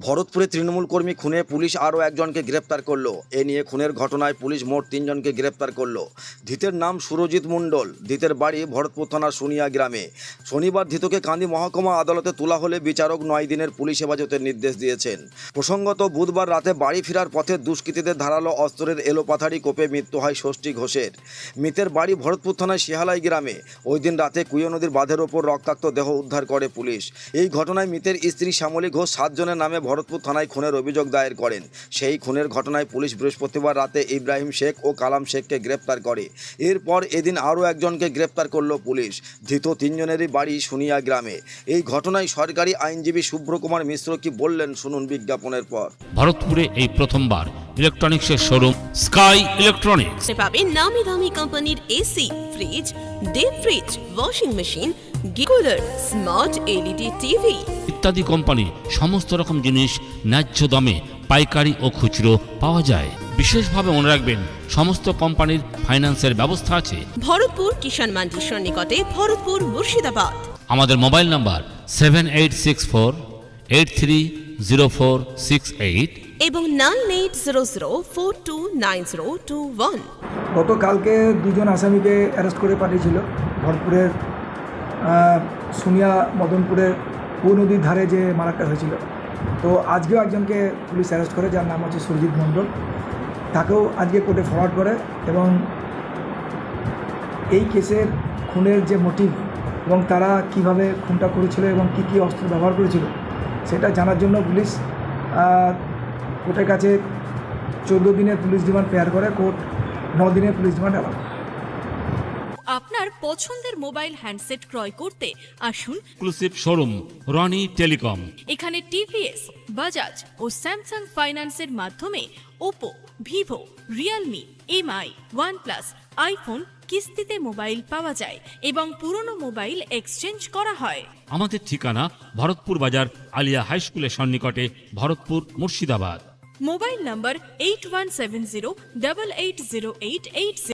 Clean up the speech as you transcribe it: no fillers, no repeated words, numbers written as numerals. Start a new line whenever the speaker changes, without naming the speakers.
ভরতপুরে তৃণমূল কর্মী খুনে পুলিশ আরও একজনকে গ্রেপ্তার করলো। এ নিয়ে খুনের ঘটনায় পুলিশ মোট 3 জনকে গ্রেপ্তার করলো। ধৃতের নাম সুরজিৎ মণ্ডল। ধৃতের বাড়ি ভরতপুর থানার সোনিয়া গ্রামে। শনিবার ধৃতকে কান্দি মহকুমা আদালতে তোলা হলে বিচারক 9 দিনের পুলিশ হেফাজতের নির্দেশ দিয়েছেন। প্রসঙ্গত, বুধবার রাতে বাড়ি ফেরার পথে দুষ্কৃতীদের ধারালো অস্ত্রের এলোপাথারি কোপে মৃত্যু হয় ষষ্ঠী ঘোষের। মৃতের বাড়ি ভরতপুর থানার শিহালাই গ্রামে। ওই দিন রাতে কুয়ো নদীর বাঁধের ওপর রক্তাক্ত দেহ উদ্ধার করে পুলিশ। এই ঘটনায় মৃতের স্ত্রী শ্যামলী ঘোষ 7 জনের নামে ভরতপুর থানায় খুনের অভিযোগ দায়ের করেন। সেই খুনের ঘটনায় পুলিশ বৃহস্পতিবার রাতে ইব্রাহিম শেখ ও কালাম শেখকে গ্রেপ্তার করে। এরপর এদিন আরও একজনকে গ্রেপ্তার করল পুলিশ। ধৃত 3 জনেরই বাড়ি সোনিয়া গ্রামে। এই ঘটনায় সরকারি আইনজীবী শুভ্রকুমার মিশ্র কি বললেন শুনুন বিজ্ঞাপনের পর।
ভরতপুরে এই প্রথমবার ইলেকট্রনিক্সের শোরুম স্কাই ইলেকট্রনিক্স
পাবেন নামি দামি কোম্পানির AC, fridge, deep fridge, washing machine, গিকুলার, স্মার্ট এলইডি টিভি
ইত্যাদি কোম্পানি সমস্ত রকম জিনিস ন্যায্য দামে পাইকারি ও খুচরো পাওয়া যায়। বিশেষভাবে মনে রাখবেন, সমস্ত কোম্পানির ফাইন্যান্সের ব্যবস্থা আছে।
ভরতপুর কিষাণ মান্ডির সন্নিকটে, ভরতপুর, মুর্শিদাবাদ।
আমাদের মোবাইল নাম্বার 7864830468
এবং 9800429021।
গতকালকে 2 জন আসামিকে অ্যারেস্ট করে পাঠিয়েছিল ভরতপুরের সোনিয়া মদনপুরের কুয়ো নদীর ধারে যে মারাটা হয়েছিল। তো আজকেও একজনকে পুলিশ অ্যারেস্ট করে, যার নাম হচ্ছে সুরজিৎ মণ্ডল। তাকেও আজকে কোর্টে ফরওয়ার্ড করে এবং এই কেসের খুনের যে মোটিভ এবং তারা কিভাবে খুনটা করেছিল এবং কী কী অস্ত্র ব্যবহার করেছিল সেটা জানার জন্য পুলিশ কোর্টের কাছে 14 দিনের পুলিশ রিমান্ড পেয়ার করে। কোর্ট 9 দিনের পুলিশ রিমান্ড অ্যালাউ।
আপনার পছন্দের মোবাইল হ্যান্ডসেট ক্রয় করতে আসুন
এক্সক্লুসিভ শোরুম রনি টেলিকম।
এখানে টিভিএস, বাজাজ ও স্যামসাং ফাইন্যান্সের মাধ্যমে Oppo, Vivo, Realme, MI, OnePlus, iPhone কিস্তিতে মোবাইল পাওয়া যায় এবং পুরনো মোবাইল এক্সচেঞ্জ করা হয়।
আমাদের ঠিকানা ভরতপুর বাজার আলিয়া হাই স্কুলের সন্নিকটে, ভরতপুর, মুর্শিদাবাদ।
মোবাইল নম্বর 8170880880।